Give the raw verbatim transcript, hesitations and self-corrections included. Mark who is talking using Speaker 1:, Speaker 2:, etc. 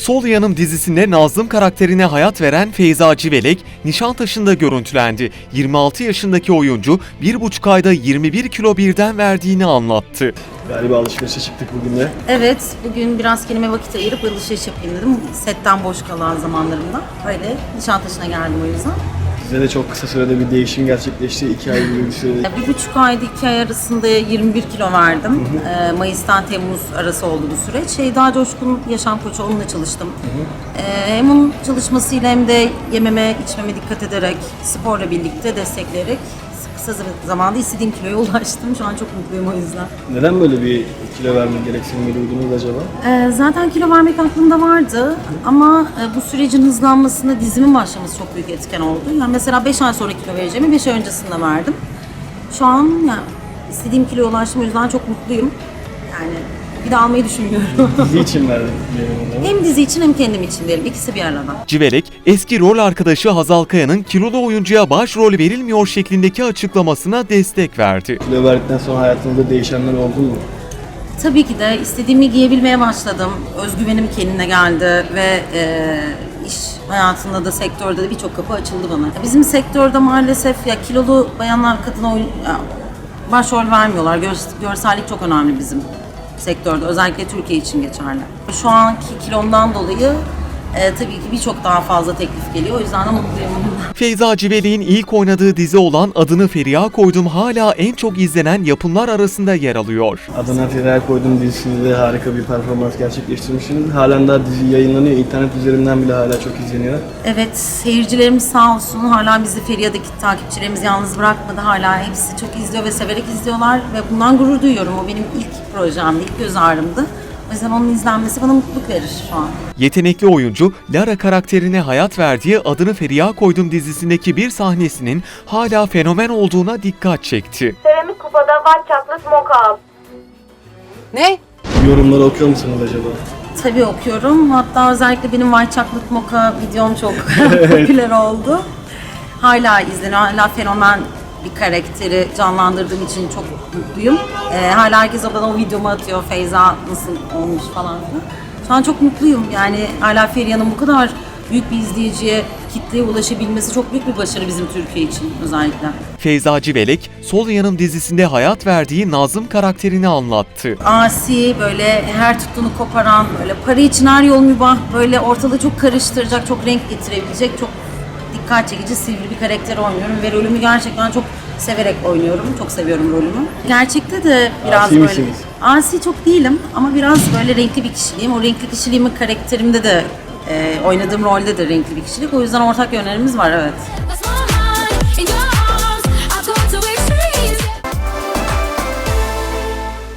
Speaker 1: Sol Yanım dizisinde Nazlım karakterine hayat veren Feyza Civelek, Nişantaşı'nda görüntülendi. yirmi altı yaşındaki oyuncu bir buçuk ayda yirmi bir kilo birden verdiğini anlattı.
Speaker 2: Galiba alışverişe çıktık bugün de.
Speaker 3: Evet, bugün biraz kendime vakit ayırıp alışveriş yapayım dedim. Setten boş kalan zamanlarımda. Öyle Nişantaşı'na geldim o yüzden.
Speaker 2: Size de çok kısa sürede bir değişim gerçekleşti. iki ay gibi bir sürede.
Speaker 3: Bir buçuk ayda iki ay arasında yirmi bir kilo verdim. Hı hı. Mayıs'tan Temmuz arası oldu bu süreç. Şeyda Coşkun yaşam koçu, onunla çalıştım. Hı hı. Hem onun çalışmasıyla hem de yememe, içmeme dikkat ederek, sporla birlikte destekleyerek kısa zamanda istediğim kiloya ulaştım. Şu an çok mutluyum o yüzden.
Speaker 2: Neden böyle bir kilo verme gereksinimi duydunuz acaba?
Speaker 3: Ee, zaten kilo vermek aklımda vardı ama e, bu sürecin hızlanmasında dizimin başlaması çok büyük etken oldu. Yani mesela beş ay sonra kilo vereceğimi beş ay öncesinde verdim. Şu an yani istediğim kiloya ulaştım, o yüzden çok mutluyum. Yani bir de almayı düşünmüyorum.
Speaker 2: Dizi için verdim.
Speaker 3: Hem dizi için hem kendim için diyelim. İkisi bir arada.
Speaker 1: Civelek, eski rol arkadaşı Hazal Kaya'nın kilolu oyuncuya başrol verilmiyor şeklindeki açıklamasına destek verdi.
Speaker 2: Kilo verdikten sonra hayatınızda değişenler oldu mu?
Speaker 3: Tabii ki de istediğimi giyebilmeye başladım. Özgüvenim kendine geldi ve e, iş hayatında da, sektörde de birçok kapı açıldı bana. Bizim sektörde maalesef ya kilolu bayanlar kadına oyun, ya, başrol vermiyorlar. Gör, görsellik çok önemli bizim sektörde. Özellikle Türkiye için geçerli. Şu anki kilomdan dolayı e, tabii ki birçok daha fazla teklif geliyor. O yüzden de mutluyum.
Speaker 1: Feyza Civelek'in ilk oynadığı dizi olan Adını Feriha Koydum hala en çok izlenen yapımlar arasında yer alıyor.
Speaker 2: Adına Feriha Koydum dizisinde harika bir performans gerçekleştirmişsiniz. Halen daha dizi yayınlanıyor. İnternet üzerinden bile hala çok izleniyor.
Speaker 3: Evet, seyircilerimiz sağ olsun. Hala bizi Feriha'daki takipçilerimiz yalnız bırakmadı. Hala hepsi çok izliyor ve severek izliyorlar ve bundan gurur duyuyorum. O benim ilk projemdi, ilk göz ağrımdı. O yüzden onun izlenmesi bana mutluluk verir şu an.
Speaker 1: Yetenekli oyuncu, Lara karakterine hayat verdiği Adını Feriha Koydum dizisindeki bir sahnesinin hala fenomen olduğuna dikkat çekti.
Speaker 4: Seramik kupada white chocolate mocha al.
Speaker 3: Ne?
Speaker 2: Yorumları okuyor musunuz acaba?
Speaker 3: Tabii okuyorum. Hatta özellikle benim White Chocolate Mocha videom çok popüler oldu. Hala izleniyor. Hala fenomen bir karakteri canlandırdığım için çok mutluyum. Ee, hala herkes bana o videomu atıyor. Feyza nasıl olmuş falan filan. Şu an çok mutluyum. Yani hala Feriha'nın bu kadar büyük bir izleyiciye, kitleye ulaşabilmesi çok büyük bir başarı bizim Türkiye için özellikle.
Speaker 1: Feyza Civelek, Sol Yanım dizisinde hayat verdiği Nazlım karakterini anlattı.
Speaker 3: Asi, böyle her tuttuğunu koparan, böyle para için her yol mübah, böyle ortalığı çok karıştıracak, çok renk getirebilecek, çok dikkat çekici, sivri bir karakter oynuyorum ve rolümü gerçekten çok severek oynuyorum. Çok seviyorum rolümü. Gerçekte de biraz
Speaker 2: Asi
Speaker 3: böyle...
Speaker 2: misiniz?
Speaker 3: Asi çok değilim ama biraz böyle renkli bir kişiliğim. O renkli kişiliğimin karakterimde de, e, oynadığım rolde de renkli bir kişilik. O yüzden ortak yönlerimiz var, evet.